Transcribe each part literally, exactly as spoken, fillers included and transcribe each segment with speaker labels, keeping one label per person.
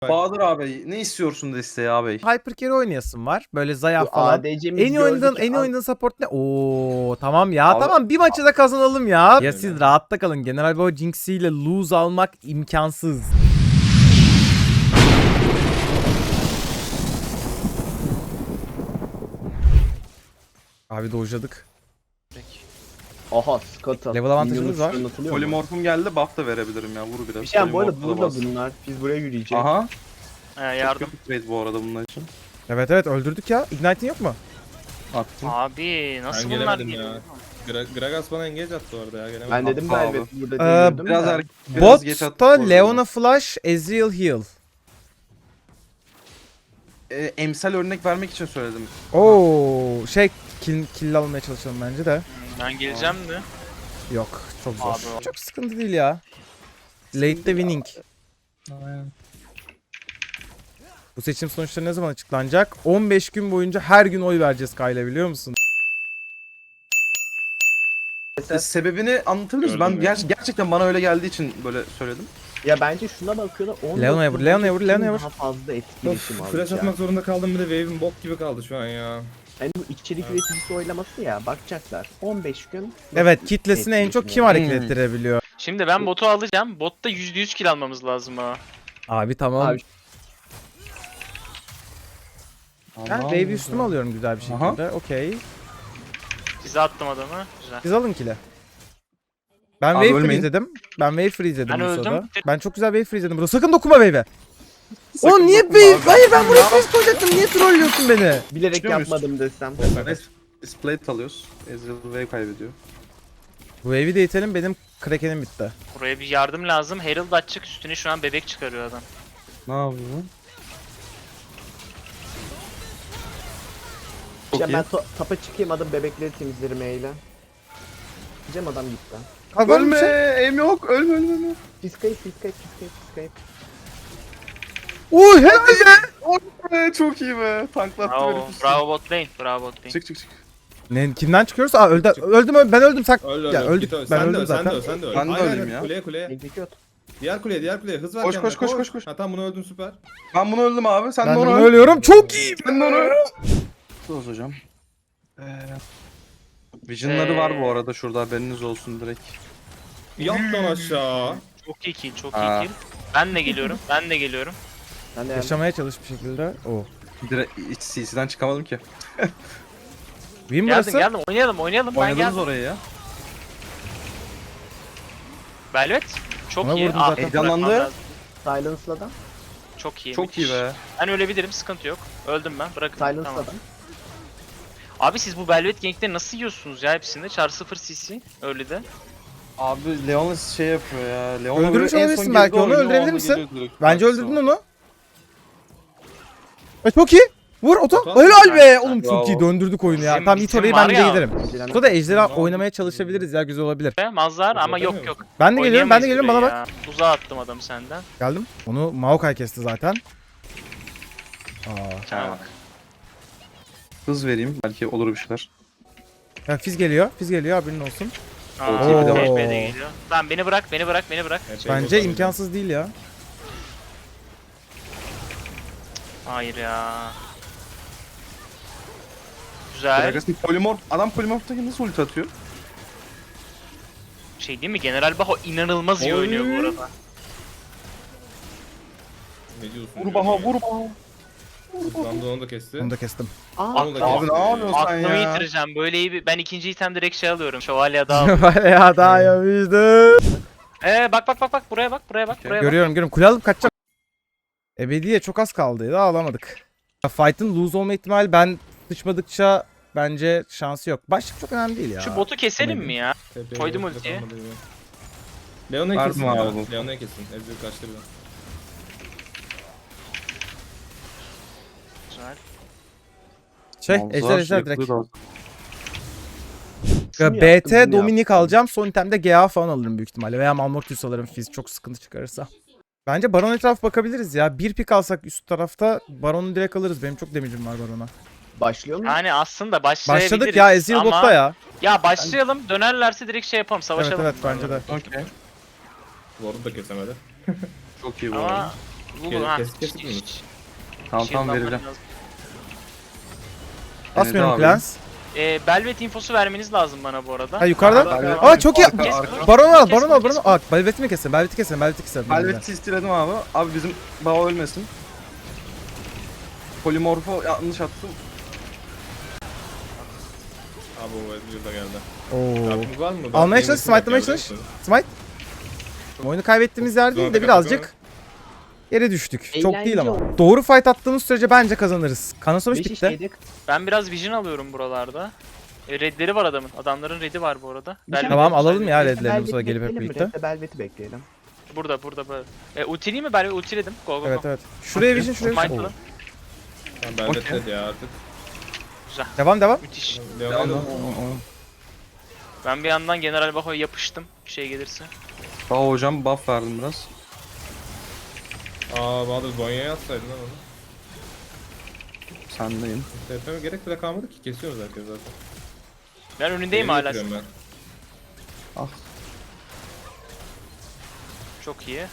Speaker 1: Bahadır abi ne istiyorsun desteği abi?
Speaker 2: Hyper carry oynayasın var. Böyle Zaya
Speaker 3: Bu
Speaker 2: falan.
Speaker 3: A D C'miz
Speaker 2: En iyi oynadığın,
Speaker 3: gördük
Speaker 2: en iyi
Speaker 3: ya.
Speaker 2: oynadığın support ne? Oo tamam ya.
Speaker 1: Abi-
Speaker 2: Tamam bir maçı da kazanalım ya. Ya siz
Speaker 4: Öyle.
Speaker 2: rahatta kalın. General Bao Jinx ile lose almak imkansız. Abi dojladık.
Speaker 3: Aha Scott'a.
Speaker 2: Level avantajımız var.
Speaker 1: Polimorfum geldi, buff da verebilirim ya, vur biraz.
Speaker 3: Bir şey bu arada
Speaker 1: Polymorph'u da
Speaker 3: burada
Speaker 1: bas.
Speaker 3: bunlar. Biz buraya yürüyeceğiz.
Speaker 1: Aha.
Speaker 5: He yardım.
Speaker 1: Çok kötü trade bu arada bunlar için.
Speaker 2: Evet evet öldürdük ya. Ignite'in yok mu?
Speaker 1: Attım.
Speaker 5: Abi nasıl
Speaker 4: Ben
Speaker 5: bunlar
Speaker 4: gelemedim
Speaker 5: geliyor?
Speaker 4: ya. Gra Gragas bana engage attı orada ya. Gelemedim.
Speaker 3: Ben dedim
Speaker 1: Abi.
Speaker 3: Velvet burada
Speaker 2: Ee,
Speaker 3: diye yürüdüm
Speaker 1: Biraz
Speaker 3: de.
Speaker 1: er biraz geç attım. bu
Speaker 2: Botta
Speaker 1: arada.
Speaker 2: Leona Flash, Ezreal Heal.
Speaker 1: Ee, emsal örnek vermek için söyledim.
Speaker 2: Oo şey kill, kill almaya çalışalım bence de.
Speaker 5: Ben geleceğim de.
Speaker 2: Yok çok zor.
Speaker 5: Abi.
Speaker 2: Çok sıkıntı değil ya. Late'de winning. Bu seçim sonuçları ne zaman açıklanacak? on beş gün boyunca her gün oy vereceğiz Kayla, biliyor musun?
Speaker 1: Ee, sebebini anlatabilir misin? Ben
Speaker 4: Gördüm ya.
Speaker 1: ger- gerçekten bana öyle geldiği için böyle söyledim.
Speaker 3: Ya bence şuna bakıyorlar. on
Speaker 2: Leona'ya vur,
Speaker 3: dokuz
Speaker 2: Leona'ya vur, Leona'ya vur.
Speaker 3: Daha fazla etkileşim
Speaker 4: Of, flash
Speaker 3: alacak.
Speaker 4: atmak zorunda kaldım, bir de wave'im bok gibi kaldı şu an ya.
Speaker 3: Yani bu içerik üreticisi oylaması ya bakacaklar. on beş gün.
Speaker 2: Evet, kitlesini en çok kim hareket
Speaker 1: Hmm.
Speaker 2: ettirebiliyor?
Speaker 5: Şimdi ben botu alacağım. Botta yüzde yüz kill almamız lazım ha.
Speaker 2: Abi tamam.
Speaker 3: Abi,
Speaker 2: Ben wave üstüme alıyorum güzel bir
Speaker 1: Aha.
Speaker 2: şekilde. Okey.
Speaker 5: Size attım adamı. Güzel.
Speaker 2: Biz alın kill'e. Ben
Speaker 1: Abi
Speaker 2: wave
Speaker 1: ölmeyin.
Speaker 2: freeze'ledim. Ben wave freeze'ledim
Speaker 5: Ben
Speaker 2: bu
Speaker 5: öldüm.
Speaker 2: sırada. Ben çok güzel wave freeze'ledim burada. Sakın dokunma wave'e. O
Speaker 1: Sakın
Speaker 2: niye
Speaker 1: dokunma
Speaker 2: wave?
Speaker 1: abi.
Speaker 2: Hayır ben buraya freeze koyacaktım. Niye trollüyorsun beni?
Speaker 3: bilerek
Speaker 1: Çıkıyor muyuz?
Speaker 3: yapmadım desem.
Speaker 1: Neyse. Biz plate alıyoruz. Ezreal wave kaybediyor.
Speaker 2: Bu wave'i de itelim, benim krakenim bitti.
Speaker 5: Buraya bir yardım lazım. Herald açık, üstüne şu an bebek çıkarıyor adam.
Speaker 1: Ne yapıyor? Çok
Speaker 3: Ya
Speaker 1: iyi.
Speaker 3: ben to- tapa çıkayım adam bebekleri temizlerim eyle. Diyeceğim adam gitti.
Speaker 2: Abi var mı bir
Speaker 1: Ölme!
Speaker 2: şey?
Speaker 1: Aim yok! Ölme ölme ölme!
Speaker 3: Fiskayıp fiskayıp fiskayıp fiskayıp.
Speaker 2: Uy helal be.
Speaker 1: Ee, çok iyi be! Tanklattı
Speaker 5: Bravo,
Speaker 1: beni.
Speaker 5: bravo bot lane, bravo bot lane.
Speaker 1: Çık çık çık.
Speaker 2: Ne, kimden çıkıyoruz? Aa öldü, öldüm öldüm ben öldüm sak.
Speaker 4: Öl öl
Speaker 2: Ya
Speaker 4: öl,
Speaker 2: öldük,
Speaker 4: git öl.
Speaker 2: ben
Speaker 4: Sen de
Speaker 2: öldüm
Speaker 4: öl, sen de
Speaker 2: zaten.
Speaker 4: öl, sen de öl.
Speaker 1: Ben de
Speaker 4: Aynen,
Speaker 1: öleyim
Speaker 4: aynen.
Speaker 1: ya.
Speaker 4: Kuleye kuleye.
Speaker 3: Execute.
Speaker 4: Diğer kuleye, diğer kuleye. Hız ver
Speaker 1: Koş,
Speaker 4: kendine,
Speaker 1: koş, koş, koş, koş.
Speaker 4: Ha tamam, bunu öldün, süper.
Speaker 1: Ben bunu öldüm abi. Sen
Speaker 2: Ben
Speaker 1: de
Speaker 2: de
Speaker 1: onu
Speaker 2: bunu
Speaker 1: öl.
Speaker 2: ölüyorum. Çok iyi.
Speaker 1: Sen de onu öl. Dur hocam. Ee, Vision'ları
Speaker 5: Ee,
Speaker 1: var bu arada şurada, haberiniz olsun direkt.
Speaker 4: Yat lan aşağı.
Speaker 5: Çok iyi kill, çok
Speaker 1: Aa.
Speaker 5: iyi kill. Ben de geliyorum, ben de geliyorum.
Speaker 3: Ben de
Speaker 2: Yaşamaya çalış bir şekilde. Oo.
Speaker 1: Direkt hiç C C'den çıkamadım ki.
Speaker 2: Win
Speaker 5: Geldim,
Speaker 2: burası.
Speaker 5: geldim. Oynayalım, oynayalım. Ben
Speaker 1: Oynadınız
Speaker 5: geldim.
Speaker 1: orayı ya.
Speaker 5: Velvet. Çok
Speaker 2: Ona
Speaker 5: iyi.
Speaker 2: vurdum
Speaker 5: Aa,
Speaker 2: zaten.
Speaker 1: Heyecanlandı.
Speaker 5: bırakmam lazım.
Speaker 3: Silence'la da.
Speaker 5: Çok iyi.
Speaker 1: Çok iyi
Speaker 5: müthiş.
Speaker 1: be.
Speaker 5: Ben ölebilirim, sıkıntı yok. Öldüm ben, bırakın.
Speaker 3: Silence'la
Speaker 5: Tamam.
Speaker 3: da.
Speaker 5: Abi siz bu Velvet Gang'de nasıl yiyorsunuz ya hepsinde? Char sıfır C C öyle de.
Speaker 1: Abi Leonis şey yapıyor ya. Leona
Speaker 2: Öldürmüş
Speaker 1: böyle en son
Speaker 2: olabilirsin
Speaker 1: girdi
Speaker 2: belki, onu
Speaker 1: oyuna,
Speaker 2: öldürebilir
Speaker 1: onda
Speaker 2: misin?
Speaker 1: geliyor direkt.
Speaker 2: Bence
Speaker 1: Arkası
Speaker 2: öldürdün
Speaker 1: var.
Speaker 2: onu. E, çok iyi. Vur oto.
Speaker 4: Oto.
Speaker 2: Helal be. Oğlum çok
Speaker 1: Bravo.
Speaker 2: iyi döndürdük oyunu ya.
Speaker 5: Bizim-
Speaker 2: Tamam it
Speaker 5: bizim
Speaker 2: orayı
Speaker 5: var
Speaker 2: ben de
Speaker 5: ya.
Speaker 2: giderim.
Speaker 3: Dilan-
Speaker 2: Burada ejderha
Speaker 4: Tamam.
Speaker 2: oynamaya çalışabiliriz ya, güzel olabilir.
Speaker 5: Mazhar ama yok
Speaker 4: Yapamıyor
Speaker 5: yok.
Speaker 2: Ben de geliyorum, ben de
Speaker 5: Oynayamayız
Speaker 2: geliyorum, bana
Speaker 5: burayı
Speaker 2: bak.
Speaker 5: ya. Uzağa attım adamı senden.
Speaker 2: Geldim. Onu Maokai kesti zaten. Aa.
Speaker 5: Sana bak.
Speaker 1: Hız vereyim, belki olur bir şeyler.
Speaker 2: Ya Fiz geliyor. Fiz geliyor, haberin olsun.
Speaker 5: Aa,
Speaker 1: Oo.
Speaker 5: T P de geliyor. Tamam beni bırak, beni bırak, beni bırak.
Speaker 4: Epey
Speaker 2: Bence
Speaker 4: bozuldu.
Speaker 2: imkansız değil ya.
Speaker 5: Hayır ya. Güzel.
Speaker 1: Gragas'ın polimorf, adam polimorftaki nasıl ulti atıyor?
Speaker 5: Şey değil mi? General Baho inanılmaz iyi
Speaker 4: Oy.
Speaker 5: oynuyor bu arada.
Speaker 4: Ne diyorsun?
Speaker 1: Vur baha, vur baha.
Speaker 4: Hızlandı, onu da kesti.
Speaker 2: Onu da kestim.
Speaker 3: Aa,
Speaker 4: Onu da
Speaker 1: Abi
Speaker 4: kesti.
Speaker 1: ne yapıyorsun sen
Speaker 5: Aklımı
Speaker 1: ya?
Speaker 5: yitireceğim. Böyle iyi bir... Ben ikinci item direkt şey alıyorum. Şövalye daha alıyorum.
Speaker 2: Var ya, daha yapmıştım.
Speaker 5: Eee bak bak bak bak buraya bak buraya bak buraya bak.
Speaker 2: Görüyorum görüyorum. Kule alıp kaçacağım. Ebediye çok az kaldı. Daha alamadık. Ya, Fight'ın lose olma ihtimali, ben sıçmadıkça bence şansı yok. Başlık çok önemli değil ya.
Speaker 5: Şu botu keselim mi ya?
Speaker 4: Epey
Speaker 5: Koydum
Speaker 4: bozuldu,
Speaker 5: ultiyi.
Speaker 4: kalmadı gibi. Leona'yı
Speaker 1: Verdim
Speaker 4: kesin
Speaker 1: abi
Speaker 4: ya.
Speaker 1: bu.
Speaker 4: Leona'yı kesin. Ezreal kaçtı bir de.
Speaker 5: Güzel.
Speaker 2: Şey,
Speaker 1: Malzar
Speaker 2: ejder ejder
Speaker 1: sürekli
Speaker 2: direkt.
Speaker 1: lazım.
Speaker 3: şunu
Speaker 2: B
Speaker 3: yaptım,
Speaker 2: T
Speaker 3: bunu
Speaker 2: Dominik
Speaker 3: yaptım.
Speaker 2: alacağım. Son itemde G A falan alırım büyük ihtimalle. Veya Malmortius alırım Fizz çok sıkıntı çıkarırsa. Bence Baron etrafı bakabiliriz ya. Bir pik alsak üst tarafta Baron'u direkt alırız. Benim çok damage'im var Baron'a.
Speaker 3: Başlıyor mu?
Speaker 5: Yani aslında başlayabiliriz.
Speaker 2: Başladık ya, Ezreal
Speaker 5: ama...
Speaker 2: botta ya.
Speaker 5: Ya başlayalım, dönerlerse direkt şey yapalım,
Speaker 2: Evet
Speaker 5: savaşalım.
Speaker 2: evet bence de.
Speaker 1: Okey.
Speaker 4: Ward'u da kesemedi.
Speaker 1: Çok iyi bu
Speaker 5: Ama
Speaker 1: arada.
Speaker 5: Google
Speaker 4: Kes-
Speaker 5: ha.
Speaker 4: kes- kesik
Speaker 5: Şi-
Speaker 4: mi?
Speaker 5: şi-
Speaker 1: Tamam
Speaker 5: şey
Speaker 1: tamam
Speaker 5: yapman
Speaker 1: vereceğim.
Speaker 5: lazım.
Speaker 2: Basmıyorum
Speaker 1: abi.
Speaker 2: plans.
Speaker 5: Ee, Belvet infosu vermeniz lazım bana bu arada.
Speaker 2: Ha yukarıda.
Speaker 1: Belvet-
Speaker 2: Aa çok iyi.
Speaker 1: Arka-
Speaker 5: Kes-
Speaker 1: arka.
Speaker 2: Baron al,
Speaker 5: Kesme,
Speaker 2: baron al, baron
Speaker 5: kesme.
Speaker 2: al. Aa, Belvet'i mi kesin? Belvet'i kesin, Belvet'i kesin.
Speaker 1: Velvet istiledim abi. Abi bizim Bao ölmesin. Polimorfo yanlış attım.
Speaker 4: Abi o Ezreal da geldi.
Speaker 2: Oo.
Speaker 4: Yardım var mı?
Speaker 2: Almaya
Speaker 4: Ben
Speaker 2: çalış,
Speaker 4: Famous
Speaker 2: smite'lamaya
Speaker 4: yok ya,
Speaker 2: çalış.
Speaker 4: biliyor musun?
Speaker 2: Smite. Oyunu kaybettiğimiz yer değil de
Speaker 4: Sonra
Speaker 2: birazcık yere düştük. Çok değil
Speaker 3: Eğlenceli
Speaker 2: ama.
Speaker 3: oldu.
Speaker 2: Doğru fight attığımız sürece bence kazanırız. Kanasonuç
Speaker 3: beş
Speaker 2: bitti.
Speaker 3: işleydik.
Speaker 5: Ben biraz vision alıyorum buralarda. E, redleri var adamın. Adamların redi var bu arada. Belvet
Speaker 2: Tamam
Speaker 5: infosu
Speaker 2: alalım ya
Speaker 5: vermeniz-
Speaker 2: redlerini bu sırada
Speaker 3: Belvet'i
Speaker 2: gelip hep
Speaker 3: bekleyelim mi?
Speaker 2: birlikte.
Speaker 3: Red'de Belvet'i bekleyelim.
Speaker 5: Burada burada böyle. E, ultileyim mi? Ben ultiledim. Go go go.
Speaker 2: Evet evet. Şuraya vision, şuraya
Speaker 5: Smite
Speaker 2: vision.
Speaker 5: alın.
Speaker 2: Oo.
Speaker 4: Ben Belvet
Speaker 1: Okey.
Speaker 4: dedi ya artık.
Speaker 2: Devam devam.
Speaker 5: Müthiş.
Speaker 4: Leon'a da
Speaker 5: Ben bir yandan General Baho'ya yapıştım. Bir şey gelirse.
Speaker 1: Bao hocam buff verdim biraz.
Speaker 4: Aa Bahadır Zonya'ya atsaydın lan onu.
Speaker 1: Sendeyim.
Speaker 4: T P gerek bile kalmadı ki kesiyoruz herkes zaten.
Speaker 5: Ben önündeyim
Speaker 4: Yeni
Speaker 5: hala.
Speaker 4: getiriyorum ben.
Speaker 1: Ah.
Speaker 5: Çok iyi.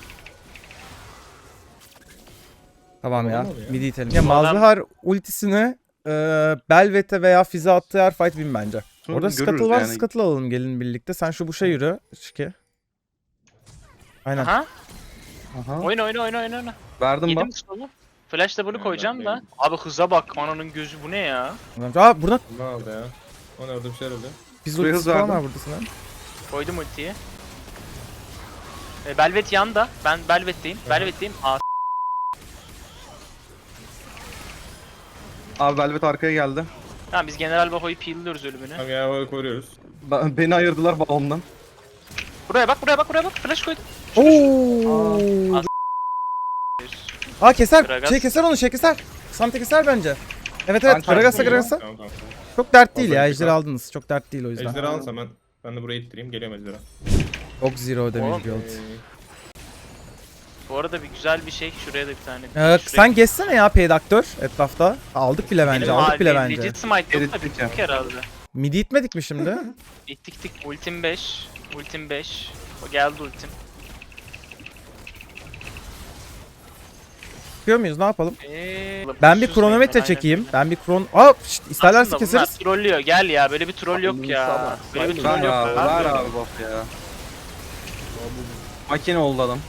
Speaker 2: Tamam ya.
Speaker 4: Olmadı ya.
Speaker 2: Midi itelim. Ya
Speaker 5: Bu adam-
Speaker 2: Malzahar ultisini e, Belvet'e veya Fizz'e attığı her fight win bence.
Speaker 1: Sonra
Speaker 2: Orada
Speaker 1: görürüz
Speaker 2: Scuttle var,
Speaker 1: yani.
Speaker 2: Scuttle alalım gelin birlikte. Sen şu buşa yürü. Şike. Aynen.
Speaker 5: Aha.
Speaker 1: Aha.
Speaker 5: Oyna oyna oyna oyna oyna.
Speaker 1: Verdim
Speaker 5: Yedim
Speaker 1: bak.
Speaker 5: solu. Flash da bunu
Speaker 4: Ben-
Speaker 5: koyacağım
Speaker 4: ben
Speaker 5: da.
Speaker 4: yedim.
Speaker 5: Abi hıza bak. Ananın gözü bu ne ya?
Speaker 2: Aa burada
Speaker 4: Ne oldu ya? O ne orada bir şeyler oluyor.
Speaker 2: biz
Speaker 1: Şuraya
Speaker 2: ultisi
Speaker 1: hız
Speaker 2: falan
Speaker 1: verdim.
Speaker 2: var burada sana.
Speaker 5: Koydum ultiyi. E, Belvet yanda. Ben Belvet'teyim. Belvet'teyim. Aa
Speaker 1: Abi Velvet arkaya geldi.
Speaker 5: tamam biz General Baho'yu peel'liyoruz ölümünü.
Speaker 4: Tamam ya böyle koruyoruz.
Speaker 1: Ben- Beni ayırdılar Bao'mdan.
Speaker 5: Buraya bak buraya bak buraya bak. Flash koydum.
Speaker 2: Oo.
Speaker 5: Aa.
Speaker 2: Aa keser.
Speaker 5: Gragas.
Speaker 2: Şey keser onu, şey keser. Sante keser bence. Evet evet.
Speaker 1: Ben
Speaker 2: Gragas'a
Speaker 1: çarptım ya.
Speaker 2: Gragas'a.
Speaker 4: Tamam tamam.
Speaker 2: Çok dert değil ya.
Speaker 4: Hazır
Speaker 2: Ejderi
Speaker 4: bir
Speaker 2: aldınız. Çok dert değil o yüzden.
Speaker 4: Ejderha alsam ben. Ben de buraya ittireyim. Geliyorum Ejderha.
Speaker 2: Çok zero damage
Speaker 5: Oğlum,
Speaker 2: build.
Speaker 4: Ee,
Speaker 5: Bu arada bir güzel bir şey. Şuraya da bir tane.
Speaker 2: Evet,
Speaker 5: şuraya-
Speaker 2: sen geçsene ya Peydaktör etrafta. Aldık bile bence,
Speaker 5: Benim
Speaker 2: aldık bile
Speaker 5: hali-
Speaker 2: bence.
Speaker 5: Legit smite yok da
Speaker 1: Erittik
Speaker 5: bittik
Speaker 1: ya.
Speaker 5: herhalde.
Speaker 2: Midi itmedik mi şimdi?
Speaker 5: İttik tik. Ultim beş. Ultim beş. O geldi ultim.
Speaker 2: Yapıyor muyuz? Ne yapalım?
Speaker 5: Eee...
Speaker 2: Ben bir
Speaker 5: Sus
Speaker 2: kronometre
Speaker 5: aynen.
Speaker 2: çekeyim. Ben bir kron... Aa, şşt, isterlerse
Speaker 5: Aslında bunlar
Speaker 2: keseriz.
Speaker 5: trollüyor. Gel ya böyle bir troll yok
Speaker 3: Abi,
Speaker 5: ya.
Speaker 3: sabah.
Speaker 5: Böyle bir
Speaker 3: Ver
Speaker 5: troll
Speaker 1: Ver
Speaker 5: yok.
Speaker 1: abi,
Speaker 5: abi.
Speaker 1: ver abi buff ya. Makine oldu adam.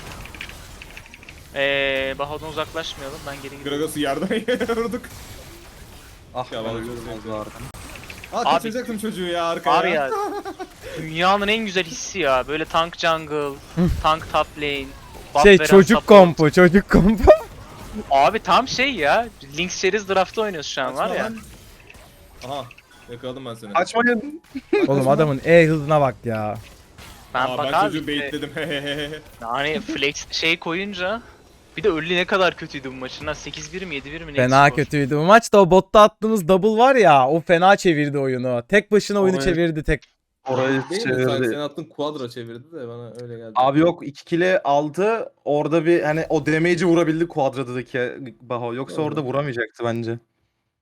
Speaker 5: Eee Baho'dan uzaklaşmayalım. Ben geri gidiyorum.
Speaker 4: Gragas'ı yerden vurduk.
Speaker 1: Ah
Speaker 4: Ya
Speaker 1: ya
Speaker 4: vallahi
Speaker 1: ben
Speaker 4: çok
Speaker 1: ölüyorum
Speaker 4: sevdim.
Speaker 1: az vardı.
Speaker 4: Aa
Speaker 5: Abi-
Speaker 4: kaçıracaktım çocuğu ya arkaya.
Speaker 5: Var ya. Dünyanın en güzel hissi ya. Böyle tank jungle, tank top lane. buff
Speaker 2: Şey
Speaker 5: veren
Speaker 2: çocuk
Speaker 5: support.
Speaker 2: kompu, çocuk kompu.
Speaker 5: Abi tam şey ya. Lynx Series draft'ta oynuyoruz şu an var
Speaker 4: Kaçma
Speaker 5: ya.
Speaker 4: lan. Aha. Yakaladım ben seni.
Speaker 1: Açmayın.
Speaker 2: Oğlum adamın E hızına bak ya.
Speaker 5: Ben
Speaker 4: Aa,
Speaker 5: bak
Speaker 4: ben
Speaker 5: abi
Speaker 4: çocuğu
Speaker 5: işte,
Speaker 4: baitledim.
Speaker 5: yani flex şey koyunca bir de early ne kadar kötüydü bu maçın ha sekiz bir mi yedi bir mi ne
Speaker 2: Fena
Speaker 5: skor?
Speaker 2: kötüydü. Bu maçta o botta attığımız double var ya, o fena çevirdi oyunu. Tek başına oyunu
Speaker 1: Orayı-
Speaker 2: çevirdi tek.
Speaker 1: Orayı
Speaker 4: Değil mi? Sanki
Speaker 1: çevirdi.
Speaker 4: senin attığın quadra çevirdi de bana öyle geldi.
Speaker 1: Abi yok iki kile aldı. Orada bir hani o damage'i vurabildi Quadra'daki Baho. Yoksa
Speaker 4: Doğru.
Speaker 1: orada vuramayacaktı bence.